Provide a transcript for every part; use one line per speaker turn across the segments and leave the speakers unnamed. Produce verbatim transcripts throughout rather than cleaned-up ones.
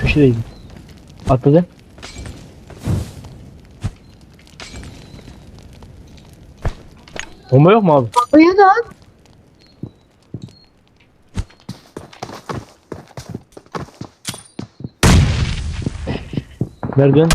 köşedeydi. Atladı. Bomba yok mu abi?
Uyu da at.
Nereden?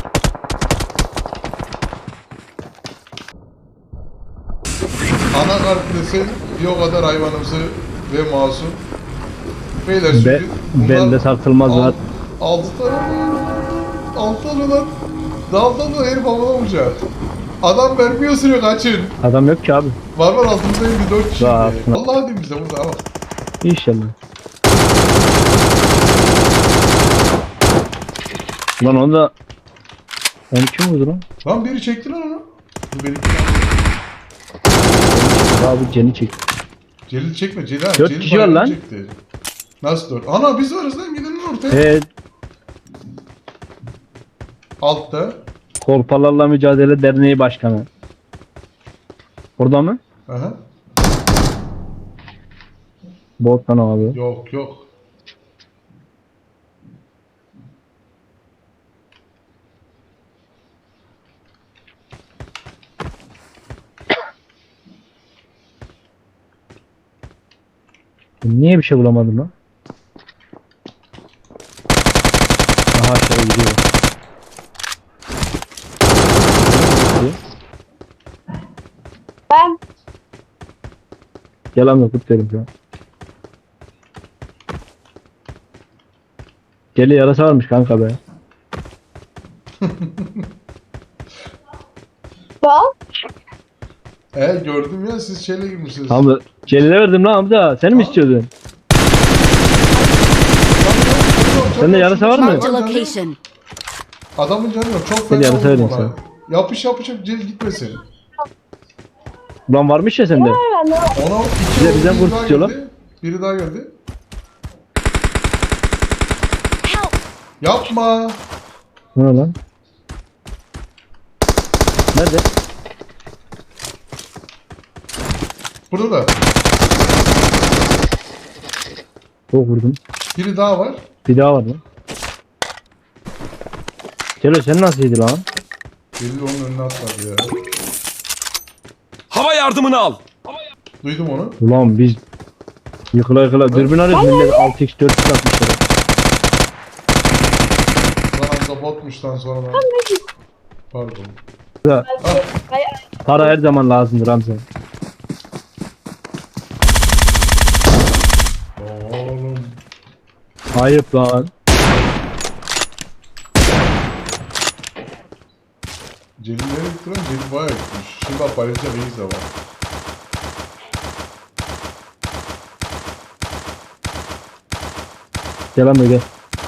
Anakart desen bir o kadar hayvanımsı ve masum. Beyler
Be,
şimdi
bende tartılmaz var.
altı tane altı tane lan. Daldan da herif havada vuracak. Adam vermiyor sürüyor kaçın.
Adam yok ki abi.
Var var altımızda elli dört kişi.
Daha
Allah diyeyim bize burada bak.
İnşallah. Lan onu da... Onu kim vurdu lan?
Lan biri çekti lan onu. Bu benimki.
Abi Cen'i çek.
Celil çekme Celil ha.
Dört
Celil
kişi var
bayağı
lan.
Çekti. Nasıl dört? Ana biz varız lan gidelim ortaya.
Evet.
Altta.
Korpalarla Mücadele Derneği Başkanı. Orada mı?
Aha.
Bottan abi.
Yok yok.
Niye bir şey bulamadım lan? Aha aşağı gidiyor.
Ben.
Yalan yok derim şu an. Geli yarasa varmış kanka be.
Bak.
E gördüm ya siz şeyle girmişsiniz.
Hamza Celil'e verdim lan Hamza. Sen mi istiyordun? Sende yarasa var mı?
Marked a location.
Adamın canı yok. Çok
Seni
fena
yarasa
vurdum
vereyim
ona. Yapış yapışıp Celil gitmesin.
Ulan varmış ya sende.
Ben de
Ona iki
Bize-
oldu,
bizden
biri
vur
daha
tutuyorlar.
geldi. Biri daha geldi.
Help!
Yapma.
Ne lan? Nerede?
Burada da.
Çok vurdum.
Biri daha var.
Bir daha var lan. Celo sen nasıl yedi lan?
Celil onun önüne atladı ya.
Hava yardımını al.
Duydum onu.
Ulan biz yıkıla yıkıla dürbün arıyoruz millet altı x dört x atmışlar.
Lan anda botmuştan sonra da. Pardon.
Ya,
Ay,
para her zaman lazımdır Hamza.
Oğlum.
Ayıp lan.
Celil nereye gitti lan? Celil bayağı gitmiş. Şimdi bak Barış'a Reis de var.
Gel Hamza gel.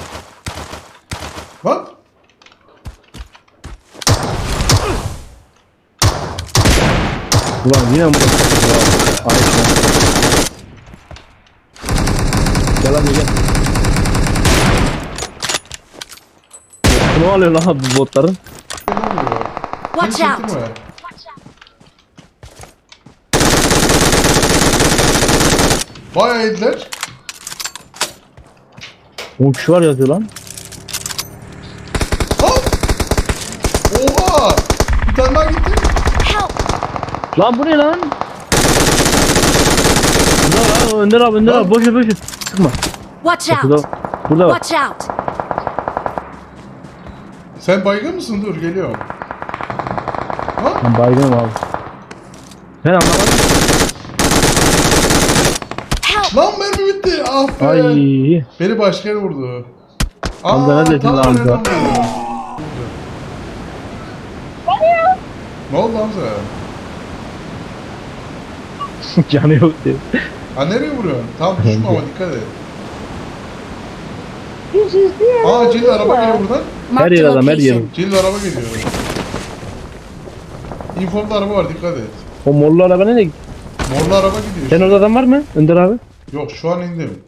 Bak.
Ulan yine mi burası? Ayıp lan. Gel Hamza gel. Ne oluyor lan bu botların?
Ne oluyor?
Watch
Kim
out.
çekti mi? Bayağı yediler.
on kişi var yazıyor lan.
Ha! Oha! Bir tane daha gitti.
Help!
Lan bu ne lan? Burada lan Önder abi Önder abi boş ver boş ver. Sıkma.
Watch
Burada,
out!
burada var.
Watch out!
Sen baygın mısın? Dur geliyorum. Ha?
Ben baygınım abi. Ben anlamadım.
Help!
Lan mermi bitti. Ah be.
Ay.
Beni başka yere vurdu.
Hamza ne dedin
tam
lan Hamza?
nereden vurdu? Ne oldu Hamza?
Canı yok diye.
Ha nereye vuruyorsun? Tam düşme ama dikkat et.
yüz yüz diye.
Aa Celil araba geliyor buradan.
Her
Marked
yer
a
adam her yer.
location.
Celil araba geliyor. İnfomda araba var dikkat et.
O morlu araba nereye gitti?
Morlu araba gidiyor.
Sen orada adam var mı? Önder abi.
Yok şu an indim.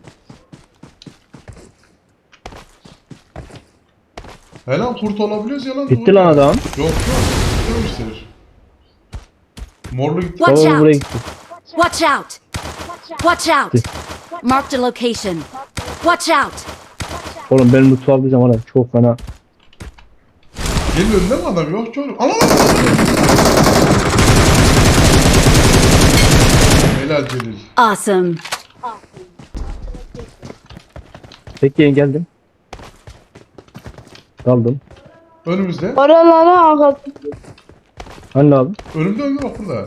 He lan kurt olabiliyoruz ya lan.
Gitti
doğru
lan
ya.
adam.
Yok yok. Gidememiştir. Morlu gitti.
Watch
O
out.
buraya gitti.
Watch out! Watch out! Marked a location. Watch out!
Oğlum ben mutfağı aldıysam ara çok fena.
Geliyor önünde mi adam? Yok çoğun. Ana! Helal Celil.
Awesome.
Bekleyin geldim. Kaldım.
Önümüzde.
Oralara ağlat.
Hani abi?
Önümde önümde bak burada.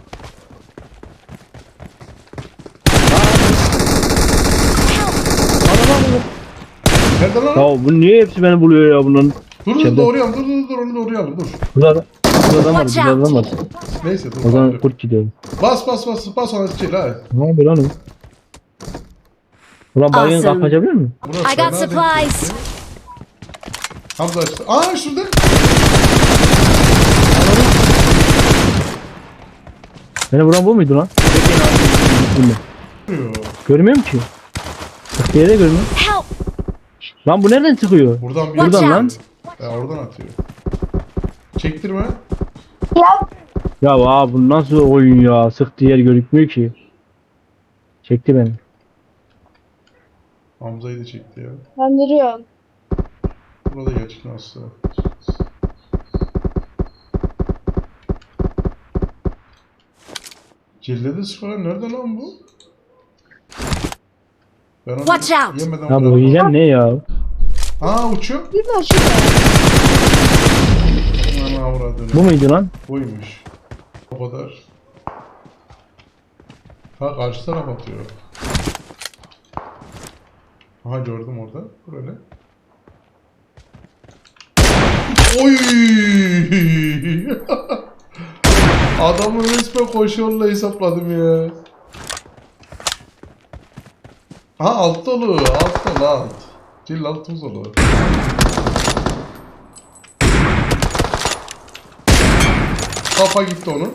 Nerede lan?
Ya bu niye hepsi beni buluyor ya bunun?
Dur dur
içeride.
doğrayalım dur dur dur onu doğrayalım dur.
Burada burada adam var,
Watch
burada adam var.
Neyse dur.
O zaman
dur.
kurt gidiyor.
Bas bas bas bas ona çil ha.
Ne yapıyor lan o? Ulan baygın
Awesome.
kalk açabilir mi?
Burası
I got
fena
supplies.
değil. Hamza açtı. Aa şurada.
Beni vuran bu muydu lan? Bekleyin abi. Bilmiyorum.
Vuruyor.
Görmüyorum ki. Bak diğeri de görmüyorum.
Help!
Lan bu nereden çıkıyor?
Buradan bir
Watch
Buradan lan.
out!
Ya oradan atıyor. Çektirme.
Ya
Ya aa bu nasıl oyun ya? Sıktı yer gözükmüyor ki. Çekti beni.
Hamza'yı da çekti ya.
kandırıyorsun.
Burada gerçek nasıl? Cillede sıfır nerede lan bu? Ben onu
Watch out.
yemeden
Ya bu
bırakmam.
hile ne ya?
Aa uçuyor.
Bir de şurada.
Aman avradını.
Bu muydu lan?
Buymuş. O kadar. Ha karşı taraf atıyor. Aha gördüm orada. Böyle. Oy! Adamı resmen koşuyorla hesapladım ya. Ha alt dolu. Alt dolu alt. Cil altımız dolu. Kafa gitti onun.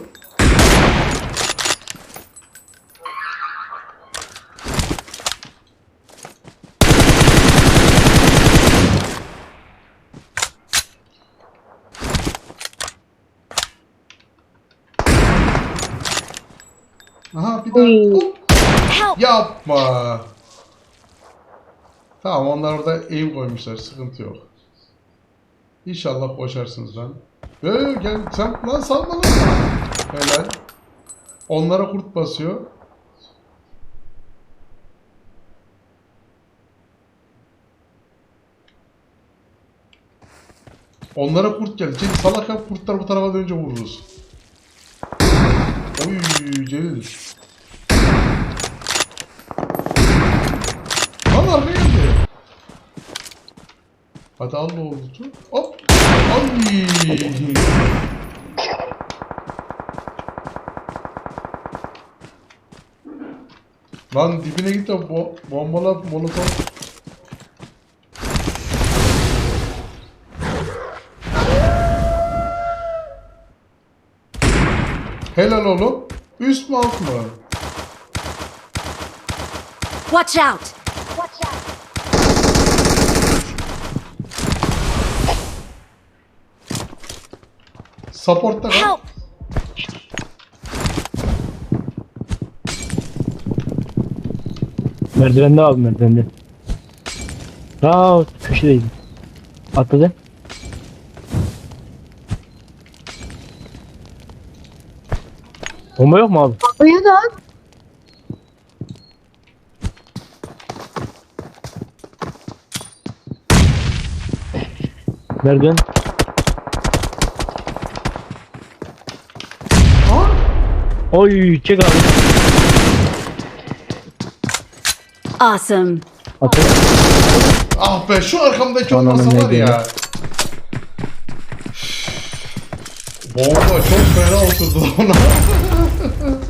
Aha bir
Uy.
daha. Hop.
Help!
Yapma. Tamam onlar orada aim koymuşlar. Sıkıntı yok. İnşallah koşarsınız lan. Ee, gel sen lan salma lan. Helal. Onlara kurt basıyor. Onlara kurt geldi. Celil salak yap kurtlar bu tarafa dönünce vururuz. Oy Celil. Lan arkaya geldi. Hadi al ne oldu? Hop. Ay. Lan dibine git de bo bombala molotof. Helal oğlum. Üst mü alt mı?
Watch out!
Support'ta kal.
Help!
Merdivende abi merdivende. Aa köşedeydi. Atladı. Bomba yok mu abi?
Uyu da.
Merdiven.
Ha?
Oy çek abi.
Awesome.
Atladı.
Ah be şu arkamdaki
Ananı
olmasa var
ne
ya. Bomba çok fena oturdu ona.